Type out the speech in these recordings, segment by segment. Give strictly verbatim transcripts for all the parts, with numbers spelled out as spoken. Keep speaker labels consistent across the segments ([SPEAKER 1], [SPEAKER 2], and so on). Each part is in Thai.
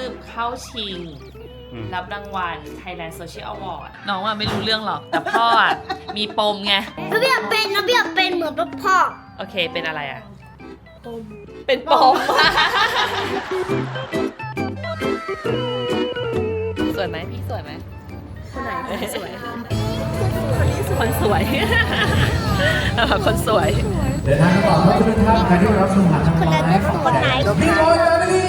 [SPEAKER 1] เข้าชิงรับรางวัล Thailand Social Award น้องอ่ะไม่รู้เรื่องหรอกแต่พ่ออ่ะมีปมไง
[SPEAKER 2] น้องเบียร์เป็นน้องเบียร์เป็นเหมือนพ่อ
[SPEAKER 1] โอเคเป็นอะไรอ่ะ
[SPEAKER 2] ปม
[SPEAKER 1] เป็นปมสวยไหมพี่สวยไหม
[SPEAKER 2] คนไหนสวย
[SPEAKER 1] คนสวยคนสวย
[SPEAKER 3] เดินทางต่อครับทุกท่านใครที่รับชมผ่านทางไลฟ์ของแดนด์พี่โรยแฟมิลี่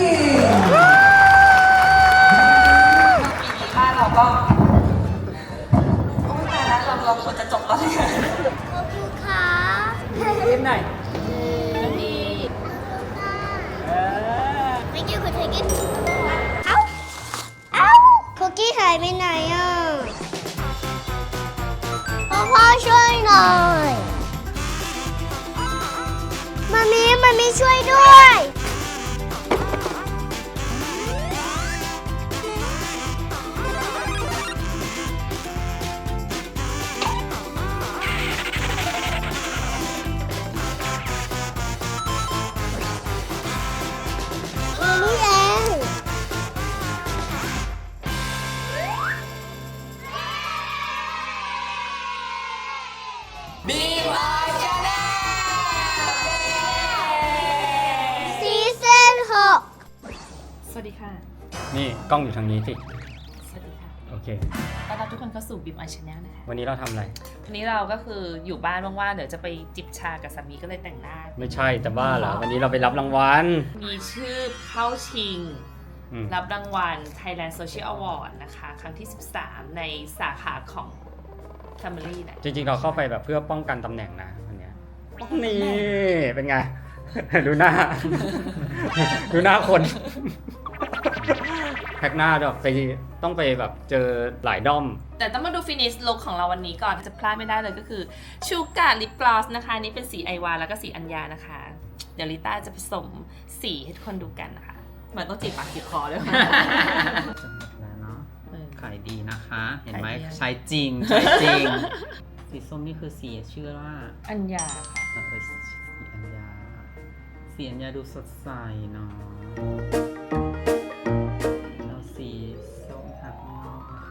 [SPEAKER 1] บ้านเราก็โอ้ยตายแล้วเราเราควรจะจบแล้วเนี่ย
[SPEAKER 2] ขอบคุณค่ะ
[SPEAKER 1] เล่นหน่อยน้องพี
[SPEAKER 2] ไม่เกี่ยวกับเทกินเอ้าเอ้าคุกกี้หายไปไหนอ่ะพ่อพ่อช่วยหน่อยมามีมามีช่วยด้วยมามีเอง
[SPEAKER 1] บีวายชาแนล
[SPEAKER 2] ซีซั่นหก
[SPEAKER 1] สวัสดีค่ะ
[SPEAKER 4] นี่กล้องอยู่ทางนี้สิ
[SPEAKER 1] สวัสดีค่ะ
[SPEAKER 4] โอเค
[SPEAKER 1] ต้อนรับทุกคนเข้าสู่บีวายชาแนลนะคะ
[SPEAKER 4] วันนี้เราทำอะไร
[SPEAKER 1] วันนี้เราก็คืออยู่บ้านว่างๆเดี๋ยวจะไปจิบชากับสามีก็เลยแต่งหน้า
[SPEAKER 4] ไม่ใช่แต่บ้าเหรอ วันนี้เราไปรับรางวัล
[SPEAKER 1] มีชื่อเข้าชิง
[SPEAKER 4] อืม
[SPEAKER 1] รับรางวัล Thailand Social Award นะคะ ครั้งที่ สิบสาม ในสาขาของ Family นะ
[SPEAKER 4] จริงๆเราเข้าไปแบบเพื่อป้องกันตำแหน่งนะวันเนี้ยนี่เป็นไง ดูหน้า ดูหน้าคน แพ็กหน้าด้วยไปต้องไปแบบเจอหลายด้อม
[SPEAKER 1] แต่ต้องมาดูฟินิชลุคของเราวันนี้ก่อนจะพลาดไม่ได้เลยก็คือชูการ์ลิปกลอสนะคะอันนี่เป็นสีไอวาแล้วก็สีอัญญานะคะ เดี๋ยวลิต้าจะผสมสีให้ทุกคนดูกันนะคะเหมือนต้องจีบปากจีบคอด้วย
[SPEAKER 5] จะหมดแล้วเนาะ
[SPEAKER 1] เออ
[SPEAKER 5] ขายดีนะคะ เห็นไหม
[SPEAKER 1] ขายดี
[SPEAKER 5] ใช้จริง ใช้จริง สีส้มนี่คือสีชื่อว่า
[SPEAKER 1] อัญญาค่ะ
[SPEAKER 5] เออสีอัญญา สีอัญญาดูสดใสเนาะแล้วสีส้มทาข้างนอกนะคะ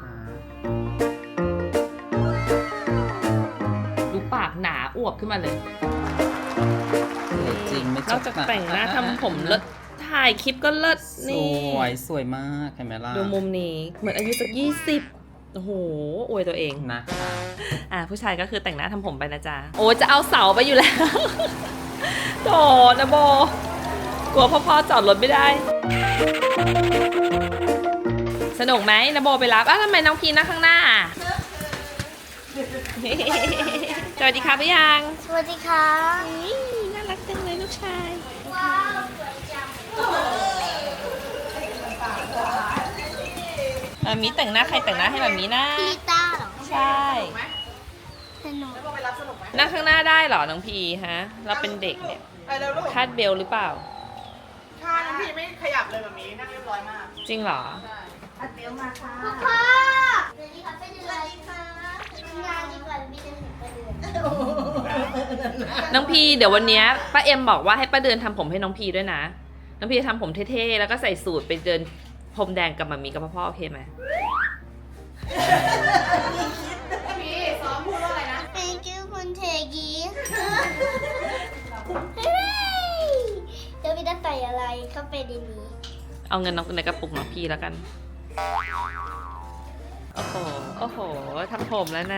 [SPEAKER 1] ดูปากหนาอวบขึ้นมาเลย
[SPEAKER 5] สวยจริงไม่
[SPEAKER 1] นอกจากแต่งหน้าทำผมเลิศถ่ายคลิปก็เลิศ
[SPEAKER 5] ส
[SPEAKER 1] นี่
[SPEAKER 5] วยสวยมากเห็นไหมล่ะ
[SPEAKER 1] ดูมุมนี้เหมือนอายุสักยี่สิบโอ้โหอวยตัวเอง
[SPEAKER 5] นะคะ
[SPEAKER 1] อ่ะผู้ชายก็คือแต่งหน้าทำผมไปนะจ๊ะโอ้จะเอาเสาไปอยู่แล้ว โถนะโบกลัวพ่อๆจอดรถไม่ได้ สนุกไหมนะโบไปรับอ้าวทำไมน้องพีนั่งข้างหน้า สวัสดีค่ะพี่ยัง
[SPEAKER 2] สวัสดีค่ะ
[SPEAKER 1] นี่น่ารักจังเลยลูกชาย
[SPEAKER 2] ว้าวสวยจัง
[SPEAKER 1] มามีแต่งหน้าใครแต่งหน้าให้แบบนี้นะ
[SPEAKER 2] พี่ลิต้าเหรอ
[SPEAKER 1] ใช่
[SPEAKER 2] สนุก
[SPEAKER 1] นั่งข้างหน้าได้เหรอน้องพีฮะ เราเป็นเด็กเนี่ย
[SPEAKER 6] ไปเร็วลูก
[SPEAKER 1] คาดเบลหรือเปล่า
[SPEAKER 6] ค่าน้องพี่ไม่ขยับเลยแบบนี้นั่งเรียบร้อยมาก
[SPEAKER 1] จริงเหรอ
[SPEAKER 2] พ่อสวัสดีค่ะเป็นอะไรคะงานดีกว่าพี่จะเห็นประเดือน
[SPEAKER 1] น้องพีเดี๋ยววันเนี้ยป้าเอ็มบอกว่าให้ป้าเดินทำผมให้น้องพีด้วยนะ น้องพีจะทำผมเท่ๆแล้วก็ใส่สูทไปเดินพรมแดงกับมัมมี่กับพ่อๆโอเคไหม
[SPEAKER 6] พี่ซ้อมพูดว่าอะไรนะ
[SPEAKER 2] Thank you คุณเทกีเดี๋ยวพี่จะใส่อะไรเข้าไปในนี้
[SPEAKER 1] เอาเงินน้องในกระปุกน้องพีแล้วกัน โอ้โห โอ้โหทำผมแล้วนะ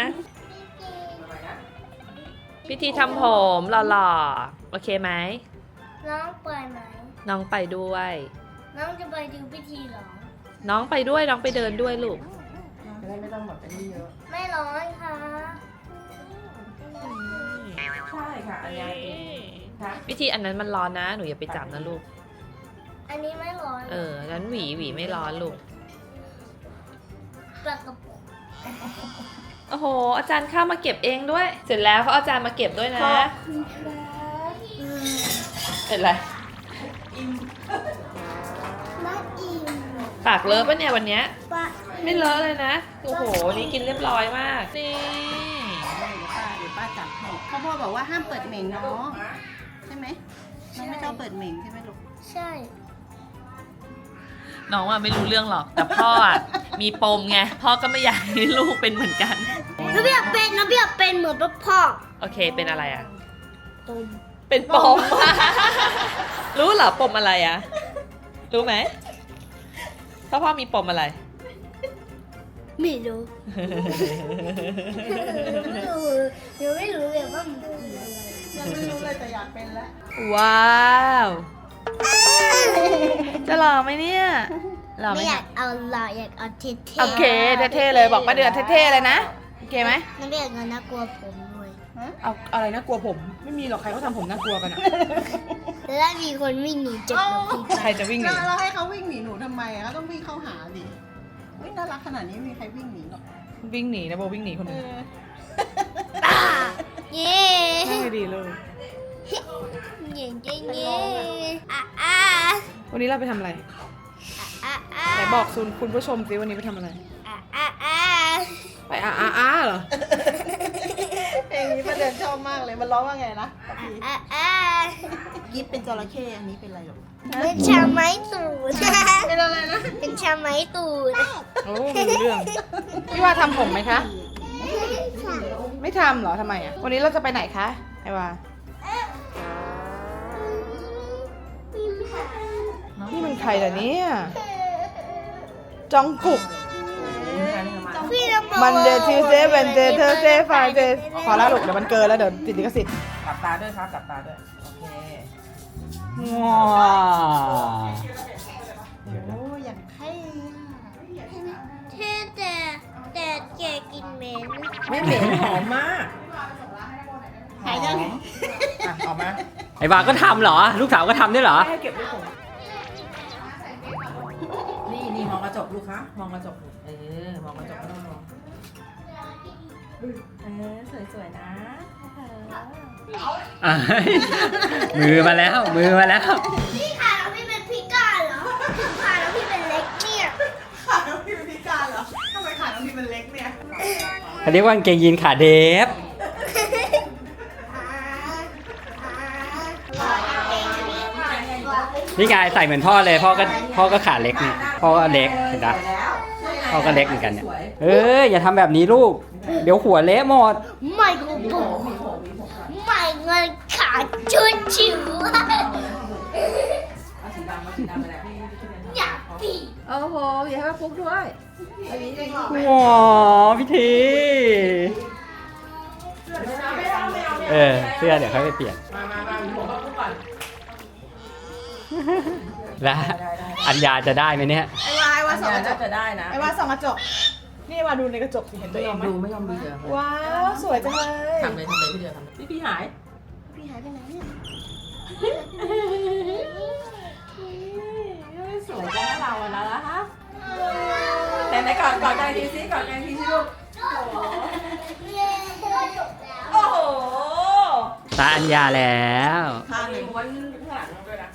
[SPEAKER 1] พิธีทำผมหล่อๆโอเคไหม
[SPEAKER 2] น้องไปไหม
[SPEAKER 1] น้องไปด้วย
[SPEAKER 2] น้องจะไปดูพิธีเหรอ
[SPEAKER 1] น้องไปด้วยน้องไปเดินด้วยลูก
[SPEAKER 2] ไม่ร้อนค่ะ
[SPEAKER 6] ใช่ค่ะอันนี้ค่ะ
[SPEAKER 1] พิธีอันนั้นมันร้อนนะ หนูอย่าไปจับนะลูก
[SPEAKER 2] อันนี้ไม่ร้อน
[SPEAKER 1] เออนั้นหวีหวีไม่ร้อนลูก
[SPEAKER 2] ปลากระป๋อง
[SPEAKER 1] โอ้โห อาจารย์เข้ามาเก็บเองด้วย เสร็จแล้วเขาอาจารย์มาเก็บด้วยนะเป็นไร
[SPEAKER 2] มาอิ่ม
[SPEAKER 1] ปากเลอะปะเนี่ยวันเนี้ย
[SPEAKER 2] ปลา
[SPEAKER 1] ไม่เลอะเลยนะ โอ้โห นี่กินเรียบร้อยมาก นี่
[SPEAKER 7] เดี๋ยวป้าเดี๋ยวป้าจับให้พ่อพ่อบอกว่าห้ามเปิดเหม่งเนาะใช่ไหมน้องไม่ชอบเปิดเหม่งใช่ไหมลูก
[SPEAKER 2] ใช่
[SPEAKER 1] น้องอ่ะไม่รู้เรื่องหรอก แต่พ่ออ่ะมีปมไง พ่อก็ไม่อยากให้ลูกเป็นเหมือนกัน
[SPEAKER 2] น้องพี่อยากเป็นน้องพี่อยากเป็นเหมือนพ่อ
[SPEAKER 1] โอเค เป็นอะไรอ่ะ
[SPEAKER 2] ตม
[SPEAKER 1] เป็นปม รู้เหรอปมอะไรอ่ะ รู้ไหมพ่อพ่อมีปมอะไร
[SPEAKER 2] ไม่รู้ยังไม่รู้เลยว่ามันคืออะไร
[SPEAKER 6] ยังไม่รู้เลยแต่อยากเป็นแล้ว
[SPEAKER 1] ว้าว จะหล่อไหมเนี่ยหล่อไหม
[SPEAKER 2] ไม่อยา
[SPEAKER 1] คะ
[SPEAKER 2] กเอาหล่ออยากเอาเท่ๆ
[SPEAKER 1] โอเคเท่ๆเลยบอกป้าเดือนเท่ๆเลยนะโอเคไหม
[SPEAKER 2] น้องพี่อยากเงินน่ากลัวผมด้วย
[SPEAKER 1] เอาอะไรนะกลัวผม ไม่มีหรอกใครเขาทำผมน่ากลัวกันอะ
[SPEAKER 2] แล้วมีคนวิ่งหนีจากน้องพี่
[SPEAKER 1] ใครจะวิ่งหนี
[SPEAKER 6] เราให้เขาวิ่งหนีหนูทำไมอะเขาต้องวิ่งเข้าหาดิวิ่งน่ารักขนาดนี้ไม่มีใครวิ่งหนีหรอก
[SPEAKER 1] วิ่งหนีนะโบวิ่งหนีคน
[SPEAKER 6] เอ
[SPEAKER 1] นึง
[SPEAKER 6] อ
[SPEAKER 2] อ่าเย้
[SPEAKER 1] ไม่ดีเลย
[SPEAKER 2] เย้เย้เย้อ่ะอ่ะ
[SPEAKER 1] วันนี้เราไปทำอะไร
[SPEAKER 2] อ่ะอ่ะ
[SPEAKER 1] ไหนบอกคุณคุณผู้ชมสิวันนี้ไปทำอะไร
[SPEAKER 2] อ่ะอ่ะอ่ะ
[SPEAKER 1] ไปอาอาอาเหรอ
[SPEAKER 6] เพลงนี้ประเด็นชอบมากเลยมันร้องว่าไงนะ
[SPEAKER 2] อ่ะอ่ะ
[SPEAKER 6] ยิปเป็นจระเข้อันนี้เป็นอะไรหรอ
[SPEAKER 2] เป็นชาไม้ตูด
[SPEAKER 6] เป็นอะไรนะ
[SPEAKER 2] เป็นชาไม้ตูด
[SPEAKER 1] โอ้ไม่รู้เรื่อง พี่ว่าทำผมไหมคะ ไม่ทำเหรอทำไมอ่ะ วันนี้เราจะไปไหนคะไอวานี่มันใครล่ะเนี่ยจองกุก
[SPEAKER 2] พี่ระเบิด
[SPEAKER 1] มันเดย์ทิวเดย์เวนเดย์เทอร์เดย์ไฟเดย์พอแล้วลูกเดี๋ยวมันเกินแล้วเดี๋ยวติดลิขสิทธิ์
[SPEAKER 5] กลับตาด้วยครับกลับตาด้วย โอเค
[SPEAKER 4] ว้าว
[SPEAKER 6] โอ้ยอย่างเท่อะ
[SPEAKER 2] เท่แต่แต่แกกินเหม็น
[SPEAKER 5] ไม่เหม็นหอมมาก
[SPEAKER 6] หายยัง
[SPEAKER 5] อ่ะออกมา
[SPEAKER 4] ไอ้บาก็ทำเหรอ ลูกสาวก็ทำด้วยเหรอ
[SPEAKER 1] ให้เก็บไว้ผม
[SPEAKER 5] นี่นี่มองกระจกลูกคะมองกระจกลูกเออ มองกระจกไม่ต้องมอง
[SPEAKER 1] เออสวยๆนะ
[SPEAKER 4] อ่ะมือมาแล้ว มือมาแล้ว
[SPEAKER 2] พี่ขาแล้วพี่เป็นพิการเหรอขาแล้วพี่เป็นเล็กเนี่ย
[SPEAKER 6] ขาน้องพี่เป็นพิการเหรอทำไมขาน้องพี่มันเล็กเนี่ย
[SPEAKER 4] เขาเรียกว่ากางเกงยีนขาเดฟ นี่ไงใส่เหมือนพ่อเลยพ่อก็พ่อก็ขาเล็กนี่พ่อก็เล็กเห็นปะพ่อก็เล็กเหมือนกันเนี่ยเอ้ยอย่าทำแบบนี้ลูก เดี๋ยวหัวเละหมด
[SPEAKER 2] ไม่กูบอกไม่เงินขาดชุดชิวอยากปี
[SPEAKER 1] โอ้โหอย่าให้มาฟุกด้วย
[SPEAKER 4] ว้าวพี่ทีเออเสื้อเดี๋ยวค่อยไปเปลี่ยน
[SPEAKER 5] มามามาผมก็พูดก่อน
[SPEAKER 4] แล้วอัญญาจะได้ไหมเนี่ย
[SPEAKER 6] ไอ้วาไอ้วาส่องกระจ
[SPEAKER 5] น่าก จะได้นะ
[SPEAKER 6] ไอ้วาส่องกระจก นี่วาดูในกระจกสิเห็นตั
[SPEAKER 5] ไม่
[SPEAKER 6] วย เอ
[SPEAKER 5] อง ม
[SPEAKER 6] ไหม
[SPEAKER 5] ดูไม่ยอมดูเดี๋ยว
[SPEAKER 6] ว้าวสวยจังเลย
[SPEAKER 5] ทำเลยทำเลยพี่เดียวทำพี่พี่หาย
[SPEAKER 6] พี่หายไปไหนเนี่ย
[SPEAKER 5] สวยจังนะเราอะนะฮะแต่ไหนก่อนก่อนใจทีซิก่อนใจทีซิลูก
[SPEAKER 6] โอ้โห
[SPEAKER 4] ตาอัญญาแล้ว
[SPEAKER 5] ทางหนึ่งวันข้างหลังด้วยนะ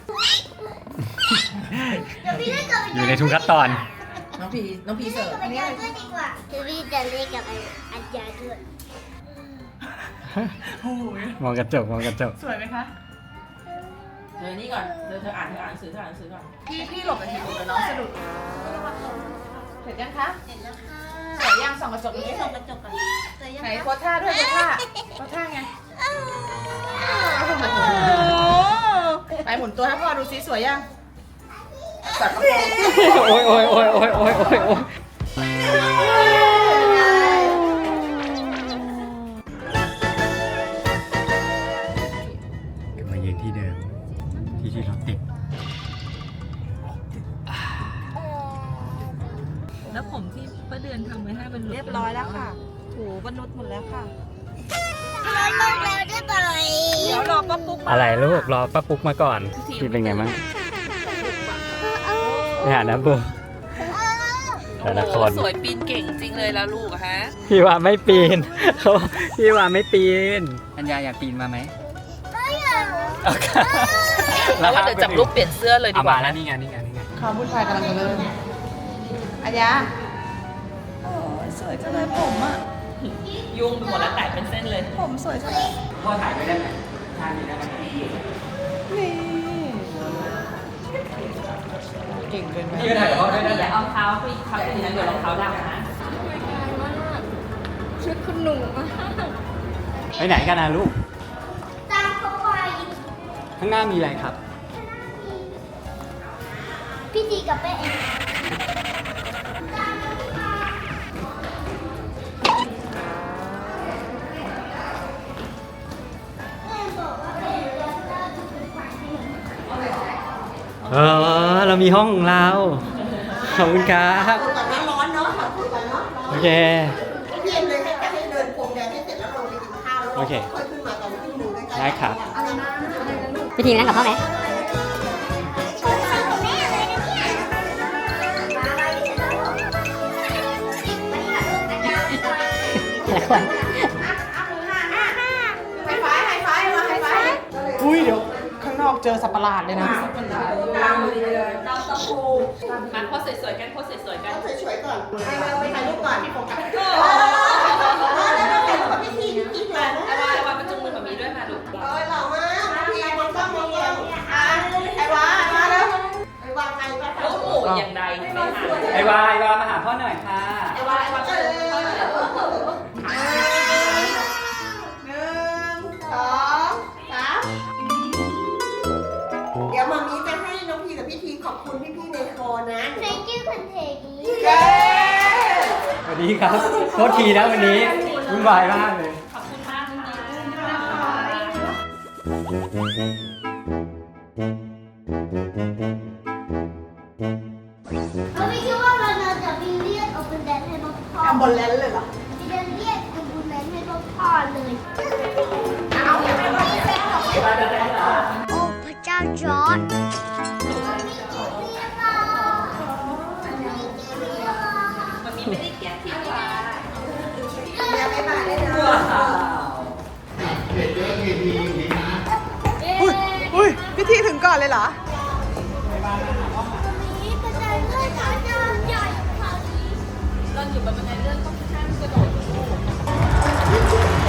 [SPEAKER 2] เดี๋ยวพี่เล่นกับ
[SPEAKER 4] อยู่ในทุกขั้นตอน
[SPEAKER 5] น้องพีน้องพีเสิร์ฟ
[SPEAKER 2] อันนี้ด้วยดีกว่าเดี๋ยวพี่จะเล่นกับอัญญาด้วย
[SPEAKER 4] มองกระจกมองกระจก
[SPEAKER 6] สวยไหมคะ
[SPEAKER 5] เธอนี่ก่อนเธอเธออ่านเธออ่านหนังสือเธออ่านหนังสือก่อน
[SPEAKER 6] พี่พี่หลบไปทีหลบไปน้องสะดุด
[SPEAKER 1] เสร็จยังคะ
[SPEAKER 2] เห็นแล้วค่ะ
[SPEAKER 1] สวยยังส่องกระจก
[SPEAKER 2] พี่
[SPEAKER 1] นี้
[SPEAKER 2] ส่องกระจกก่อนสวยยัง
[SPEAKER 1] ไหน
[SPEAKER 2] คะ
[SPEAKER 1] โพสท่าด้วยโพสท่าโพสท่าไง
[SPEAKER 6] ไปหมุนตัวให้พ่อดูซิสวยยัง
[SPEAKER 5] จัดกระโปรง
[SPEAKER 4] โอ้ยโอ้ยโอ้ยโอ้ยโอ้ยโอ้ยโอ้ยกลับมายืนที่เดิม ที่ที่รถติด
[SPEAKER 1] แล้วผมที่ป้าเดือนทำไว้ให้เป็น
[SPEAKER 7] เรียบร้อยแล้วค่ะ ถูบรรนุษหมดแล้วค่ะ
[SPEAKER 2] ร้อยลงแล้วได้ไหม
[SPEAKER 7] เดี๋ยวรอป้าปุ๊กมา
[SPEAKER 4] อะไรลูกรอป้าปุ๊กมาก่อนพี่เป็นไงบ้างไปหาน้ำบูแต่ละคน
[SPEAKER 1] สวยปีนเก่งจริงเลยแล้วลูกอะฮะ
[SPEAKER 4] พี่ว่าไม่ปีนเขาพี่ว่าไม่ปีนอัญญาอยากปีนมาไหม
[SPEAKER 1] แล้วว่าเดี๋ยวจับลูกเปลี่ยนเสื้อเลยดี
[SPEAKER 4] เอา
[SPEAKER 1] กว่า
[SPEAKER 4] มาแล้วนี่ไงนี่ไงนี่ไง
[SPEAKER 1] ความวุ่นวายกำลังจะเริ่มอัญญา
[SPEAKER 7] สวยจังเลยผมอ่ะ
[SPEAKER 1] ยุ่งไปหมดแล้วแตกเป็นเส้นเลย
[SPEAKER 7] ผมสวยจังเลย
[SPEAKER 4] พ่อถ่ายไว้ได้ไหมถ่ายนี้ได้ไหม
[SPEAKER 7] นี่
[SPEAKER 6] เก่งเกินไป
[SPEAKER 4] เชื่อถ่ายกับพ่อด้วยนะ
[SPEAKER 1] อย่าเอาเท้าไปทับอย่างนั้นเดี๋ยวรองเท้าดำนะ
[SPEAKER 2] ชุดคุณหนูมาก
[SPEAKER 4] ไปไหนกันนะลูก
[SPEAKER 2] ตามเขาไป
[SPEAKER 4] ข้างหน้ามีอะไรครับ
[SPEAKER 2] พี่ดีกับแม่เอง
[SPEAKER 4] เออ เรามีห้องของเรา ขอบคุณครับ
[SPEAKER 6] คุยก่อนนะร้อนเนาะคุยก่อนเนาะ
[SPEAKER 4] โอเค
[SPEAKER 6] พี่เอ็มเลยให้ให้เดินพรมแดงให้เสร็จแล้วลงไปกินข้าวแล้ว
[SPEAKER 4] โอเค
[SPEAKER 6] ค่อยขึ้นมาตอนขึ้นหนึ่งใกล้ๆ
[SPEAKER 4] ได้ครับ
[SPEAKER 6] อะไรนะ
[SPEAKER 8] พี่ทีมนั่งกับพ่อไหม
[SPEAKER 2] ชวนพ่อกับแม่เลยนะเนี่ยมาไปที่ฉันแล้ววันนี้ค่ะลูกอาจารย์
[SPEAKER 8] แต่ละคน
[SPEAKER 6] ไฮไฟว์ไฮไฟว์มาไฮไฟว์อุ้ยเดี๋ยวข้างนอกเจอสัตว์ประหลาดเลยนะ
[SPEAKER 1] มาโพสสวยๆกันโพสสวยๆกัน
[SPEAKER 6] ต้องสวยๆก่อนให้เราไปถ่ายรูปก่อนพี่โฟกัสแล้วเราถ่ายรูปกับพี่ทีพี่ทีถ่ายนะ
[SPEAKER 1] ไอวาไอวามาจุงมือกับมีด้วยมาลูก
[SPEAKER 6] เอ้ยหล่อมากพี่มองกล้องมองกล้องอ่ะไอ้วาไอ้วาแล้วไอ้วาไงไปถ่าย
[SPEAKER 1] ลู
[SPEAKER 6] รู
[SPEAKER 1] ก
[SPEAKER 6] ป
[SPEAKER 1] หมูอย่างใดไม่หา
[SPEAKER 4] ไอวาไอวามาหาพ่อหน่อยค่ะ
[SPEAKER 6] ไอ้วาไอ้วาเออหนึ่งสองสามเดี๋ยวมามีจะให้น้องพีกับพี่ทีขอบคุณพี่ๆในคอนะ
[SPEAKER 2] Thank you คุณเทกี
[SPEAKER 6] เย้
[SPEAKER 4] สวัสดีครับ โทษทีนะวันนี้วุ่นวายมากเลย
[SPEAKER 1] ขอบคุณมากค่ะ
[SPEAKER 2] เราไม่คิดว่าเราจะมีเรียกเอาเป็นแดนให้พ่อพ่อ
[SPEAKER 6] ทำบนแลนเลยเหรอ
[SPEAKER 2] มีเรียกเรียกเอาเป็นแดนให้พ่อพ่อเลย
[SPEAKER 6] เอาไม่ไม่ไม่
[SPEAKER 2] โอ้พระเจ้าจอร์ด
[SPEAKER 1] มันมีไม่ได้เกลียดที่ว่า
[SPEAKER 6] ยังไม่มาเลยนะ
[SPEAKER 2] อุ้ย
[SPEAKER 6] อุ้ยพี่ทีถึงก่อนเลยเหรอ
[SPEAKER 2] มีกระจายเลือดพระเจ้าใหญ่คราวนี้
[SPEAKER 1] ตอนอยู่บนบันไดเลื่อนต้องข้ามกระโดดลูก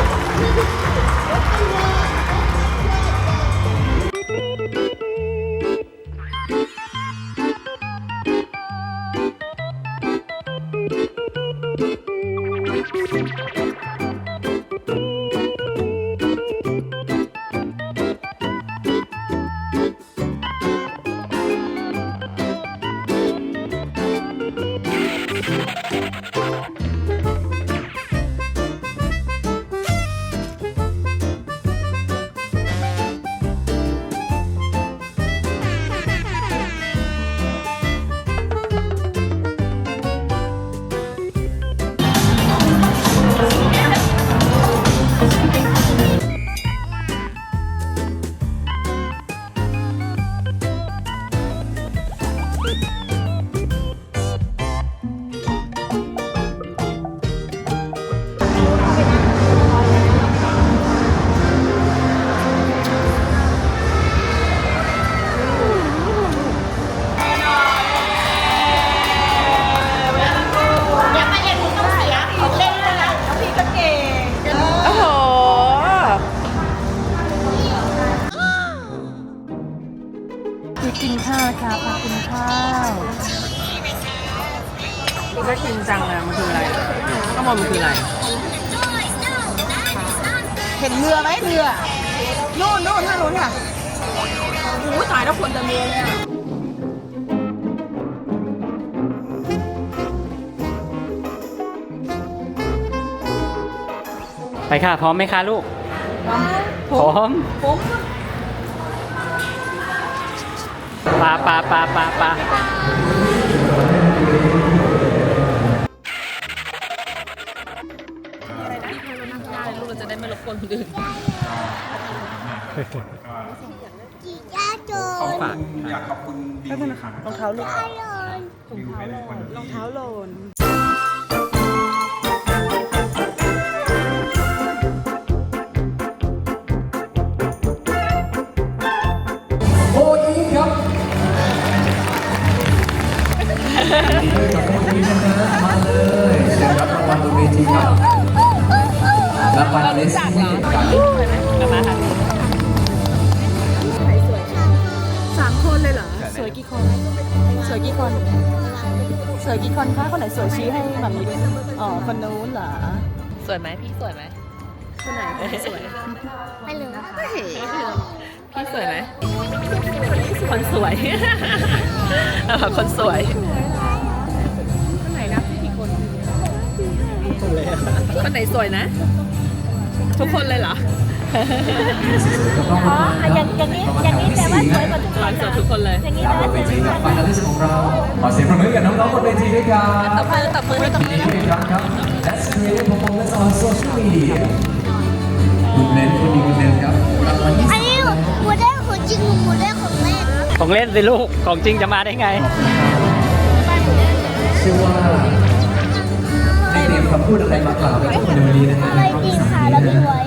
[SPEAKER 5] กินข้าวค่ะพากินข้าวน่ากินจังเลยมันคืออะไรข้างบนมันคืออะไร
[SPEAKER 6] เห็นเรือไหมเรือ นู่นนู่นท่านู้นค่ะ
[SPEAKER 5] โอ้ยตายแล้วคนจะมีเลยอะ
[SPEAKER 4] ไปค่ะ พร้อมไหมคะลูก พร้อม
[SPEAKER 5] ผม
[SPEAKER 4] ปลาปลาปลาปลาปลา
[SPEAKER 1] ลูกเราจะได้ไม่รบกวนคนอื่น
[SPEAKER 2] จีจ้าโจ
[SPEAKER 4] ของฝาก
[SPEAKER 9] อยากขอบคุณบีค่ะ
[SPEAKER 6] รองเท้าลูก
[SPEAKER 2] ฮัลโหล
[SPEAKER 9] บิวเป็นคน
[SPEAKER 6] รองเท้าโลน
[SPEAKER 3] โอ้ยครับยินดีด้วยกับน้องพีนะฮะมาเลยเชิญรับรางวัลบนเวทีครับรางวัลเลสซี่กับ
[SPEAKER 5] สามคนเลยเหรอ สวยกี่คน สวยวยกี่คน สวยกี่คนคะคนไหนสวยชี้ให้แบบนี้ด้วยอ๋อคนนู้นเหรอ
[SPEAKER 1] สวยไหมพี่สวยไหม
[SPEAKER 5] คนไหนสวย
[SPEAKER 2] ไม่รู้
[SPEAKER 1] พี่สวยไหมคนสวย เออคนสวย
[SPEAKER 5] คนไหนนับกี่คน
[SPEAKER 1] คนไหนสวยนะ ทุกคนเลยเหรอ
[SPEAKER 2] อ๋ออย่างอย่างนี้อย่างนี้แต่ว่าสวยกว่าทุกคน
[SPEAKER 1] สวยทุกคนเลย
[SPEAKER 2] อย่างนี้
[SPEAKER 3] ตาม
[SPEAKER 2] แต่
[SPEAKER 3] บ
[SPEAKER 2] ว่าน ส
[SPEAKER 3] เว
[SPEAKER 2] วย
[SPEAKER 3] ที
[SPEAKER 2] ทุก
[SPEAKER 3] กับ
[SPEAKER 2] คน
[SPEAKER 3] ไฟนอลิสต์ของเราขอเสียงปรบมือกับน้องๆบนเวทีด้วยกัน
[SPEAKER 1] ตบมือตบมือตบมือ
[SPEAKER 3] ยินดีด้วยอีกครั้งครับ Let's create performance on social media คุณเน้นคุณดีคุณเน้นครับรางวัลที่
[SPEAKER 2] อันนี้หมูแดงของจริงหมูแดงของเล่น
[SPEAKER 4] ของเล่นสิลูก ของจริงจะมาได้ไง
[SPEAKER 3] เชื่อว่าได้เตรียมคำพูดอะไรมากล่าวกับทุกคนในวันนี้นะฮะ
[SPEAKER 2] อะไรดีค่ะแล้วดีไว้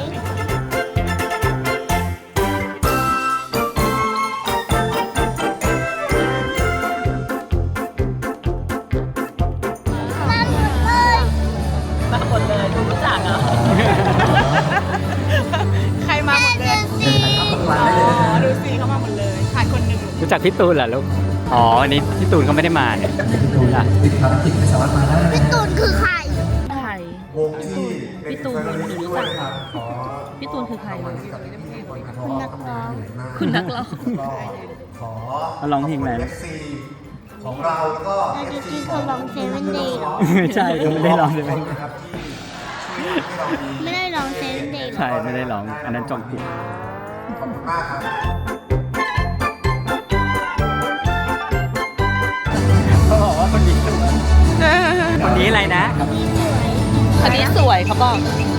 [SPEAKER 2] มาหมดเลย
[SPEAKER 1] มาหมดเลยดูรู้จักเหรอ
[SPEAKER 5] ใครมาหมดเลย
[SPEAKER 2] สี
[SPEAKER 3] มาได้เลยนะฮะ
[SPEAKER 5] ดูสิเขามาหมดเลยขาดคนหนึ่ง
[SPEAKER 4] รู้จักพี่ตูนเหรอลูก อ๋ออันนี้พี่ตูนเขาไม่ได้มาเนี่ย
[SPEAKER 3] ดูนะติดภารกิจไม่สามารถมาได้นะ
[SPEAKER 2] พี่ตูนคือใคร
[SPEAKER 1] ใคร
[SPEAKER 9] วงที่
[SPEAKER 1] พี่ตูนหนูรู้จักเหรอ พี่ตูนคือใคร
[SPEAKER 2] คุณนักร้อง
[SPEAKER 1] คุณนักร้อง
[SPEAKER 9] ขอ
[SPEAKER 4] เขาร้องเพลงอะไร
[SPEAKER 9] เอฟซีของเราแล้วก็
[SPEAKER 2] แล้วจริงๆเขาร้องเซเว่นเดย์
[SPEAKER 4] ไม่ใช่เขาไม่ได้ร้องเลย
[SPEAKER 9] นะครับที่ช่วยทำให้เรามี
[SPEAKER 2] ไม่ได้ร้องเซเว่นเดย์
[SPEAKER 4] ใช่ไม่ได้ร้อง อันนั้นจองกุก
[SPEAKER 9] ขอบคุณมากครับ
[SPEAKER 4] เขาบอกว่าคนนี้สวยคนนี้อะไรนะ
[SPEAKER 1] คนนี้สวยเขาบอก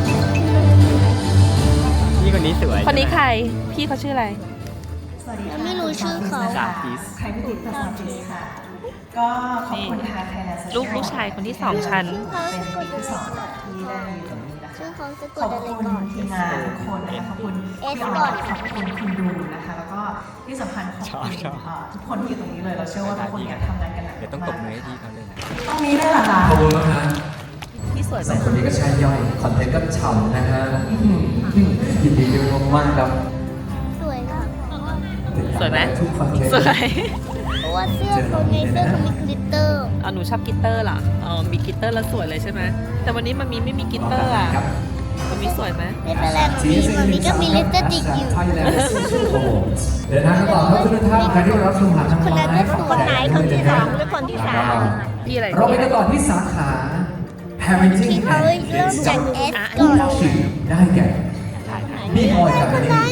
[SPEAKER 4] นี่คนนี้สวย
[SPEAKER 1] คนนี้ใคร พี่เขาชื่ออะไร
[SPEAKER 2] ยังไม่รู้ชื่อเขา
[SPEAKER 4] สาธิต
[SPEAKER 6] ใครไม่ติดภาษาจีนค่ะ ก็ขอบคุณทางไทยแลนด์
[SPEAKER 1] ลูกลูกชายคนที่สองฉัน
[SPEAKER 6] เป็นปีที่สองที่ได้อยู่ตรงนี้นะคะ
[SPEAKER 2] ชื่อเขาสะก
[SPEAKER 6] ข
[SPEAKER 2] ด
[SPEAKER 6] อบ
[SPEAKER 2] อะไร
[SPEAKER 6] คุณ
[SPEAKER 2] ก่อน
[SPEAKER 6] ทีมงานทุกคนนะคะขอบคุณ
[SPEAKER 2] เอส
[SPEAKER 6] พี่
[SPEAKER 2] ก่
[SPEAKER 6] อ
[SPEAKER 2] อ
[SPEAKER 6] อน ขอบคุณคุณดูนะคะ แล้วก็ที่สำคัญขอบคุณเอ่อทุกคนที่อยู่ตรงนี้เลย เราเชื่อว่าทุกคนเนี่ยทำงานกันหนัก
[SPEAKER 4] เดี๋ยวต้องตบมือให้พี่เขาเลยนะ
[SPEAKER 6] ตรงนี้ด้วยเหรอคะ
[SPEAKER 3] ขอบคุณมากฮะ
[SPEAKER 1] พี่สวยไห
[SPEAKER 3] ส
[SPEAKER 1] ม
[SPEAKER 3] องคนนี้ก็ใช่ย่อย คอนเทนต์ก็ฉ่ำนะฮะยินดีด้วยมากๆครับ
[SPEAKER 2] สวยค่ะ
[SPEAKER 1] สวยไหม
[SPEAKER 3] ทุกคอนเทนต์
[SPEAKER 1] สวย
[SPEAKER 2] เพราะว่าเสื้อเขาในเสื้อเขามีกลิตเตอร์
[SPEAKER 1] เอาหนูชอบกลิตเตอร์เหรอ อ๋อ มีกลิตเตอร์แล้วสวยเลยใช่ไหม แต่วันนี้มันมีไม่มีกลิตเตอร์อ่ะ
[SPEAKER 3] ครับ
[SPEAKER 1] มันมีสวยไหม
[SPEAKER 2] ไม่เป็นไรมันมีมันมีก็มีลิปสติกอยู่
[SPEAKER 3] เดินทางกันต่อครับทุกท่านใครที่รับชมผ่านทาง
[SPEAKER 2] คนนั้น
[SPEAKER 3] ไล
[SPEAKER 2] ก็
[SPEAKER 3] ฟ์
[SPEAKER 2] สวยไหนคนที่สองหรือคนที่สาม
[SPEAKER 1] พี่อะไร
[SPEAKER 3] เราไปกันต่อที่สาขา parenting
[SPEAKER 2] ที่เขา
[SPEAKER 3] and
[SPEAKER 2] เริ่มจากเอส
[SPEAKER 3] ผู้
[SPEAKER 2] ก่อน
[SPEAKER 3] ชิงได้แก่นี่พลอยกับ
[SPEAKER 2] คน
[SPEAKER 3] นี่
[SPEAKER 2] นั้น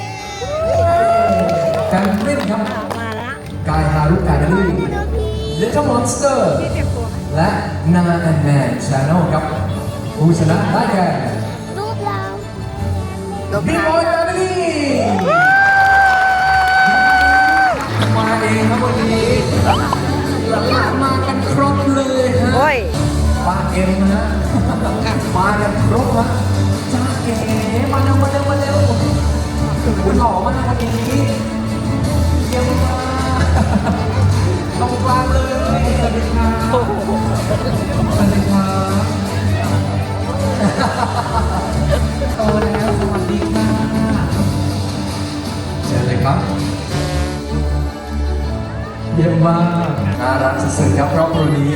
[SPEAKER 3] การเล่นครับ
[SPEAKER 2] มาละ
[SPEAKER 3] กายฮารุกาเดลี่ Little Monster และ Nana and Man Channel ครับผู้ชนะได้แก่
[SPEAKER 2] รูปเรารูป
[SPEAKER 3] พี่
[SPEAKER 2] เรา
[SPEAKER 3] บอยแฟมิลี่มาเองครับวันนี้หลานๆมากันครบเลยฮะป้าเอ็มนะฮะมากันครบฮะจ้าเอ๋มาเร็วมาเร็วมาเร็วคุณหล่อมากวันนี้เยี่ยมมากตรงกลางเลยสวัสดีครับสวัสดีครับโตแล้วสวัสดีค่ะเชิญเลยครับเยี่ยมมากน่ารักสุดๆครับครอบครัวนี้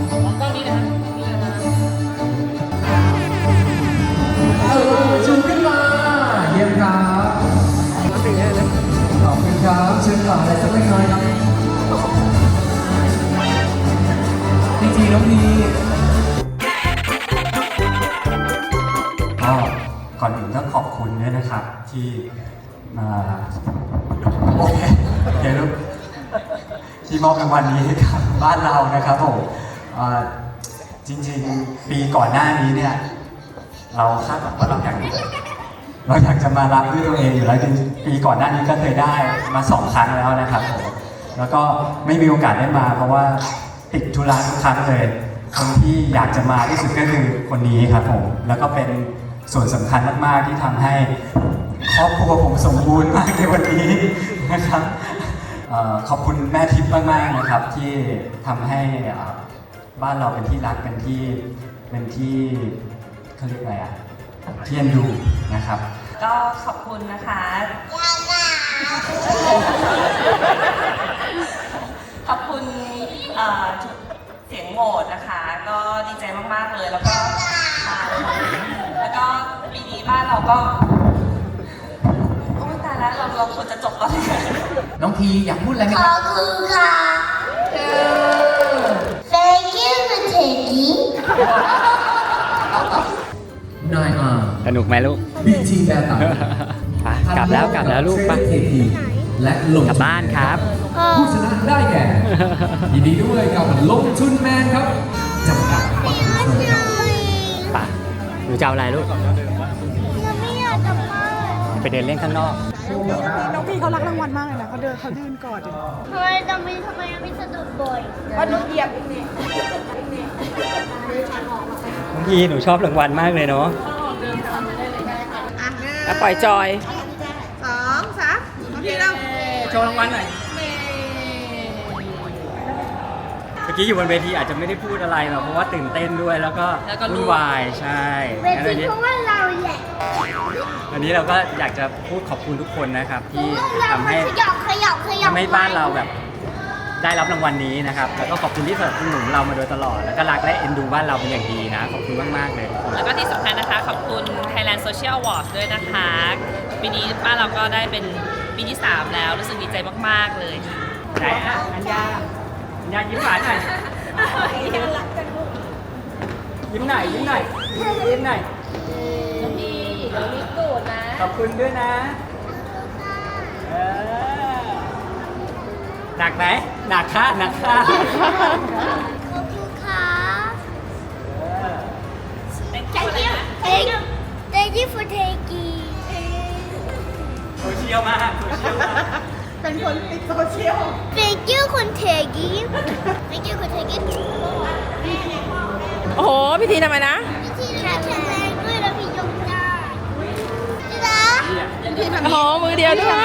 [SPEAKER 3] เออชูขึ้นมาเยี่ยมครับขอบคุณครับเชิญต่ออะไรสักเล็กน้อยครับจริงๆน้องพี
[SPEAKER 10] ก็ก่อนอื่นต้องขอบคุณด้วยนะครับที่มาโอเคเดี๋ยวลูกที่มอบรางวัลนี้ให้กับบ้านเรานะครับผมเอ่อจริงๆปีก่อนหน้านี้เนี่ยเราคาดหวังว่าเราอยากเราอยากจะมารับด้วยตัวเองอยู่แล้วจริงๆปีก่อนหน้านี้ก็เคยได้มาสองครั้งแล้วนะครับผมแล้วก็ไม่มีโอกาสได้มาเพราะว่าติดธุระทุกครั้งเลยคนที่อยากจะมาที่สุดก็คือคนนี้ครับผมแล้วก็เป็นส่วนสำคัญมากๆที่ทำให้ครอบครัวผมสมบูรณ์มากในวันนี้นะครับเอ่อขอบคุณแม่ทิพย์มากๆนะครับที่ทำให้เอ่อบ้านเราเป็นที่รักเป็นที่เป็นที่เขาเรียกอะไรอ่ะที่เอ็นดูนะครับ
[SPEAKER 1] ก็ขอบคุณนะคะ ขอบคุณพี่อ่อเสียงโหวตนะคะ ก็ดีใจมากๆเลยแล้วก็มาแล้วก็ปีนี้บ้านเราก็โอ้ตายแล้วเราเราควรจะจบตอนนี้
[SPEAKER 3] น้องพีอยากพูดอะไรไหม
[SPEAKER 2] ข
[SPEAKER 3] ค
[SPEAKER 2] อ
[SPEAKER 3] รั
[SPEAKER 2] บบ คุณค่ะ Thank you for taking
[SPEAKER 3] นายอาร์
[SPEAKER 4] สนุกไหมลูก
[SPEAKER 3] บีทีแบร์ตัน
[SPEAKER 4] ไปกลับแล้วกลับแล้วลูกไป
[SPEAKER 3] เทพีและลง
[SPEAKER 4] กลับบ้านครับ
[SPEAKER 3] ผู้ชนะได้แก่ ยินดีด้วยกับลงทุนแมนครับจำกัดวัตถุชนครับ
[SPEAKER 4] ไปหนูจะเอาอะไรลูก
[SPEAKER 2] ยังไม่อยากกลับบ้าน
[SPEAKER 4] ไปเดินเล่นข้างนอก
[SPEAKER 5] น้องพี่เขารักรางวัลมากเลยนะเขาเดินเขายืนกอดอยู่
[SPEAKER 2] ทำไมทำไมทำไมไม่สะดุดบ่อย
[SPEAKER 5] ว่านุ๊กเหยียบนี่
[SPEAKER 4] น้องพีหนูชอบรางวัลมากเลยเนาะ
[SPEAKER 5] อ่ะปล่อยจอยสองสามน้องพี่เรา
[SPEAKER 4] โชว์รางวัลหน่อย เมื่อกี้อยู่บนเวทีอาจจะไม่ได้พูดอะไรหรอกเพราะว่าตื่นเต้นด้วยแล้วก็
[SPEAKER 1] แล้วก็รู้
[SPEAKER 4] วุ่นวายใช่
[SPEAKER 2] เว
[SPEAKER 4] งั้น
[SPEAKER 2] ที
[SPEAKER 4] วันนี้
[SPEAKER 2] เพราะว่าเราแหละ
[SPEAKER 4] วันนี้เราก็อยากจะพูดขอบคุณทุกคนนะครับ
[SPEAKER 2] เพ
[SPEAKER 4] ที่
[SPEAKER 2] ราะว่าเรา
[SPEAKER 4] ทำให้
[SPEAKER 2] ขยับขยับขยับ
[SPEAKER 4] ทำให้บ้านเราแบบได้รับรางวัลนี้นะครับ แล้วก็ขอบคุณที่สนับสนุนเรามาโดยตลอด แล้วก็รักและเอ็นดูบ้านเราเป็นอย่างดีนะ ขอบคุณมากๆเลยทุกคน
[SPEAKER 1] แล้วก็ที่สำคัญนะคะ ขอบคุณ Thailand Social Awards ด้วยนะคะ ปีนี้บ้านเราก็ได้เป็นปีที่ สาม แล้ว รู้สึกดีใจมาก ๆ เลยค่ะ
[SPEAKER 4] ไหนอ่ะอัญญาอัญญายิ้มหวานหน่อยยิ้มหน่อยยิ้มหน่อยยิ้มหน่อย
[SPEAKER 1] น้องพี่เดี๋ยวมีตูดนะ
[SPEAKER 4] ขอบคุณด้วยนะเออหนักไหมหนักค่ะหนักค่ะ
[SPEAKER 2] ขอบคุณค่ะ Thank you Thank you Thank you for taking
[SPEAKER 4] โซเชียลมากโซเชียลมาก
[SPEAKER 5] เป็นคนติดโซเชียล
[SPEAKER 2] Thank you for taking Thank you for taking
[SPEAKER 5] โอ้โหพี่ทีทำไมนะ
[SPEAKER 2] วิธีแข็งแรงด้วยแล้วพี่ยกได้นะ
[SPEAKER 5] โอ้โหมือเดียวด้วย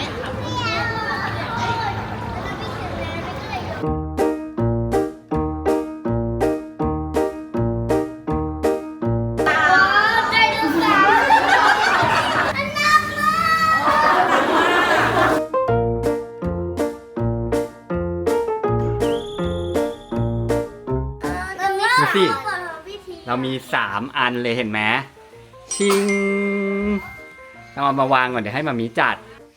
[SPEAKER 2] ไดโนเสาร์อันนักมาก
[SPEAKER 4] ดูสิ เรามีสามอันเลยเห็นไหมชิงเราเอามาวางก่อนเดี๋ยวให้มามีจัด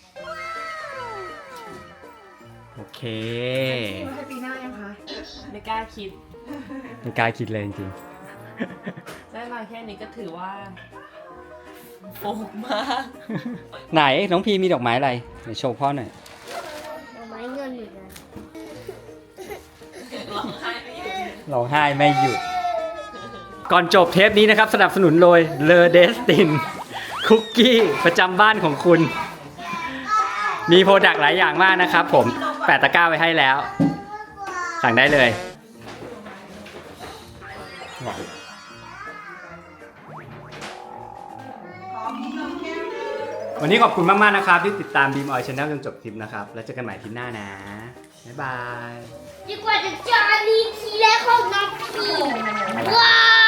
[SPEAKER 4] โอเค
[SPEAKER 5] ให้ปีหน้ายังคะ
[SPEAKER 1] ไม่กล้าคิด
[SPEAKER 4] ไม่กล้าคิดเลยจริง
[SPEAKER 1] ได้มาแค่นี้ก็ถือว่าโฟกมาก
[SPEAKER 4] ๆ ไหนน้องพีมีดอกไม้อะไรไหนโชว์พ่อหน่อย
[SPEAKER 2] เอาไม้เงินอยู่นะ
[SPEAKER 1] ร้องไห้ไม่หยุด
[SPEAKER 4] ร้องไห้ไม่หยุด ก่อนจบเทปนี้นะครับ สนับสนุนโดยเลอเดสตินคุกกี้ประจำบ้านของคุณ มีโปรดักต์หลายอย่างมากนะครับผมแปะตะกร้าไว้ให้แล้ว สั่งได้เลย วันนี้ขอบคุณมาก ๆ นะครับ ที่ติดตามบีมออยชาแนลจนจบคลิปนะครับ แล้วเจอกันใหม่คลิปหน้านะ บ๊ายบาย
[SPEAKER 2] ดีกว่าจะจารีทีแรกของน้องพีว้าว